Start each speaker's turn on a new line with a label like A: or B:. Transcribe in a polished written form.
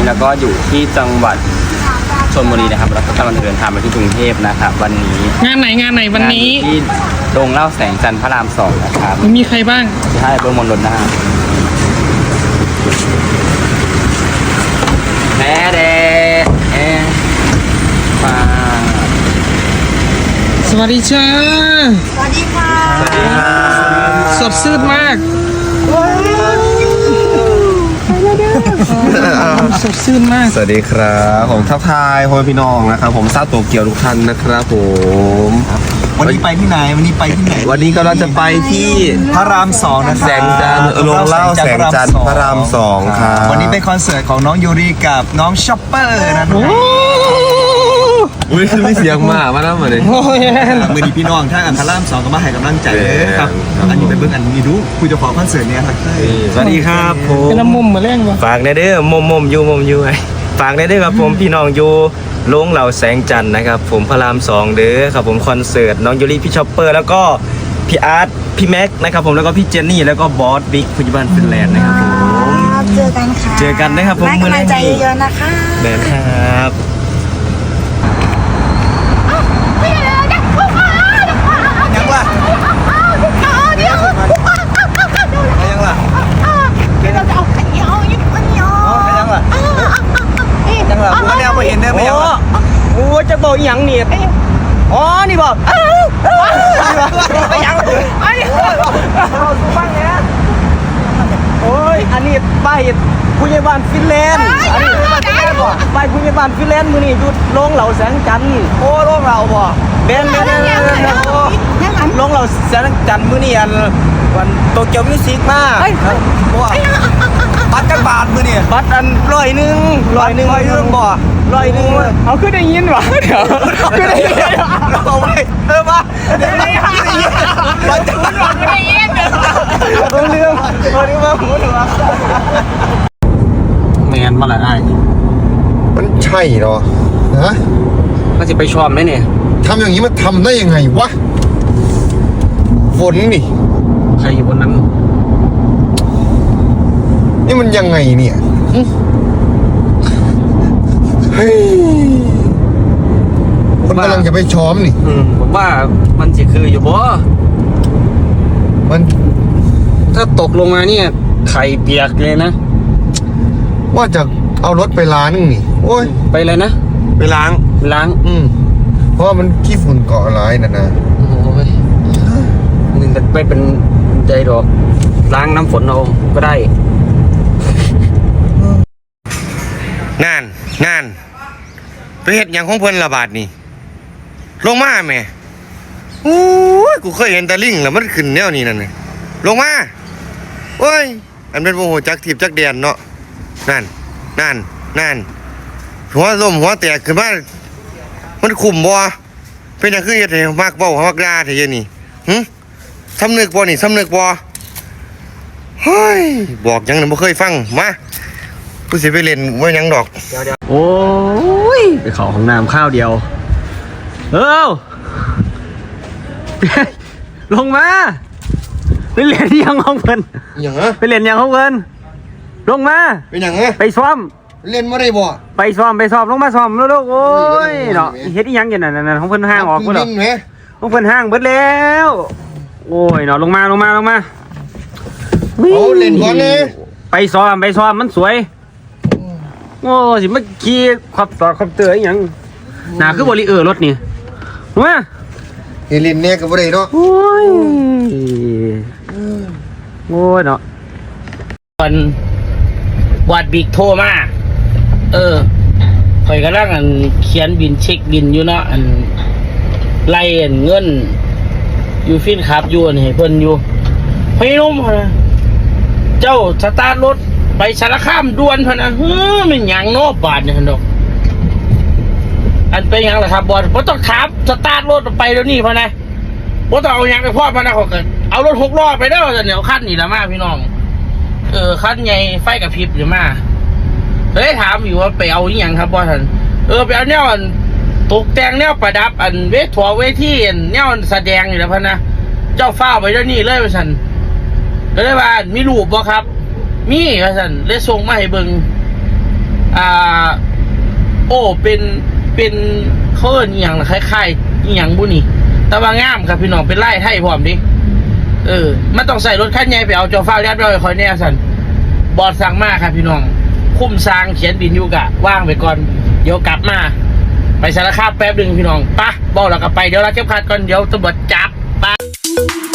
A: แล้วก็อยู่ที่จังหวัดชลบุรีนะครับแล้วก็กำลังเดินทางไปที่กรุงเทพนะครับวันนี้
B: งานไหนวันนี้
A: ที่โรงเล่าแสงจันทร์พระราม 2นะครับ
B: มีใครบ้าง
A: ใช่เบิ้งมนต์นะแม่เด็กมา
B: สวัสดีจ้า
C: สวัสดีค่ะ
A: สวัสดีครับ
B: สดชื่นมากสดชื่นมาก
D: สวัสดีครับผมทักทายพ่อพี่น้องนะครับผมซาโตเกียวทุกท่านนะครับผม
E: วันนี้ไปที่ไหนวันนี้
D: ก็เราจะไปที่
E: พระราม 2นะครับ
D: แสงจันทร์โรงเล่าแสงจันทร์พระราม 2ครับ
E: วันนี้เป็นคอนเสิร์ตของน้องยูริกับน้องช็อปเปอร์นะครับ
D: ไม่เสียงมาแล้วมาเลย
E: มือดีพี่น้องถ้าพระราม 2ก็มาให้กำลังใจครับอันนี้เป็นเบื้องอันนี้ดูคุยจะขอคอนเสิร์ตเนี่ยครับ
D: สวัสดีครับผม
B: เป็นมุมมาเล่นวะ
D: ฝากในเด้อมุมอยู่ไงฝากในเด้อครับผมพี่น้องอยู่โรงเหล่าแสงจันทร์นะครับผมพระราม 2เด้อครับผมคอนเสิร์ตน้องยูริพี่ช็อปเปอร์แล้วก็พี่อาร์ตพี่แม็กนะครับผมแล้วก็พี่เจนนี่แล้วก็บอสบิ๊กผู้จัดการฟินแลนด์นะครับผม
C: เจอกันค่ะ
D: เจอกันนะครับผม
C: ให้กำลังใจเยอะๆนะคะ
D: แม่ครับ
E: ยังล่ะกูก็แนวไปเห็นได้ไหม
D: โอ้จะบอกอย่างนี่อ๋อนี่บอกไปยังไอ้เราสู้บ้างเนี่ยโอ้ยอันนี้ป้ายผู้ใหญ่บ้านฟินแลนด์อันนี้ป้ายผู้ใหญ่บ้านฟินแลนด์มือนี่อยู่โรงเหล่าแสงจันทร์
E: โอ้โรงเราบ่
D: เบนโรงเหล่าแสงจันทร์มือนี่วันโตเกียวมิวสิกมา
E: บัตรกันบาทมือเนี่ย
D: บัตรอัน100บ่
B: เอาขึ้นได้ยินวะเดี๋ยวขึ้นได้ยิน
E: เอาไปมาได้ยินบัตรกันบาท
B: ได้ยิน
D: เรื่องมาพูดว่า
A: แมนมาหลายไอ้
D: มันใช่เหรอฮะ
A: ก็จะไปชอบไหมเนี่ย
D: ทำอย่างนี้มันทำได้ยังไงวะฝนนี่
A: ใครอยู่บนนั้น
D: นี่มันยังไงเนี่ยเฮ้ยคนกำลังจะไปช้อมนี่
A: ผมว่ามันจะคืออยู่บ่
D: มัน
A: ถ้าตกลงมาเนี่ยไข่เปียกเลยนะ
D: ว่าจะเอารถไปล้างนี่โอ้ย
A: ไปเลยนะ
D: ไปล้างเพราะว่ามันขี้ฝุ่นเกาะร้ายนะ
A: โอ้ยนึงจะไปเป็นใจดอกล้างน้ำฝนเอาก็ได้
D: งานไปเฮ็ดอย่างของเพิ่นระบาดนี่ลงมาแม่โอ้ยกูเคยเห็นตะลิงแล้วมันขึ้นแนวนี้นั่นนี่ลงมาโอ้ยอันเป็นโมโหจักถีบจักเดียนเนาะนั่นหัวล้มหัวแตกขึ้นมามันขุ่มบ่เป็นอย่างคือเฮ็ดให้มักเว้ามักด่าแท้เดี๋ยวนี้สำนึกบ่เฮ้ยบอกยังบ่เคยฟังมากูสิไปเล่นว่ายังดอก
A: โอ้ยไปขอของน้ำข้าวเดียวลงมาไปเล่นยังของเพิ่นไปเล่นยังของเพิ่นลงมา
D: เป็นยัง
A: ไปซ้อม
D: เล่นไม่ได้บ่
A: ไปซ้อมลงมาซ้อมลูกโอ้ยเนาะเฮ็ดอีหยังอยู่นั่นของเพิ่นห้างออกบ่ดอกของเพิ่นห้างเบิดแล้วโอ้ยเนาะลงมา
D: โอ้เล่นก่อนเลย
A: ไปซ้อมมันสวยโอ้สิเมื่อกี้ขับเตออย่างหนาคือบริรถนี่มา
D: เล่นเนี่ยกับอะไรเนาะ
A: โอ้ยเนาะวันวัดบิ๊กโทรมาข่อยกำลังเขียนบินเช็คบินอยู่เนาะไล่เงินอยู่ฟินขับอยู่ให้เพิ่นอยู่พี่นุ่มเจ้าสตาร์ทรถไปสารคามด่วนพนะมันหยังโนบาทเนี่ยดอกอันเป็นยังล่ะครับบอลผมต้องขับสตาร์ทรถไปเดี๋ยวนี้พนะผมต้องเอายังไปพ่อพนะเขาเอารถ6 ล้อไปได้แล้วเดี๋ยวขั้นนี่ละมาพี่น้องขั้นใหญ่ไฟกับพริบหรือมาเลยถามอยู่ว่าไปเอาอย่างครับบอลท่านไปเอาเนี่ยตกแต่งเนี่ยประดับเวทีเนี่ยแสดงอยู่แล้วพนะเจ้าฟ้าไปเดี๋ยวนี้เลยท่านเลยว่ามีรูปบ่ครับมีท่านเลยส่งมาให้เบิ่งาโอ้เป็นเขาเอิ้นอหย่างล่ะคล้ายๆอหย่างบุนี่แต่ว่างามครับพี่น้องเป็นไร่ไทยพร้อมดิมันต้องใส่รถคันใหญ่ไปเอาจอฟ้ายัดไว้คอยแน่สันบอดสั่งมาครับพี่น้องคุ้มสร้างเขียนบินอยู่กะว่างไปก่อนเดี๋ยวกลับมาไปสารคามแป๊บหนึ่งพี่น้องปะบอกแล้วก็ไปเดี๋ยวเราเก็บคัดก่อนเดี๋ยวตำรวจจับปะ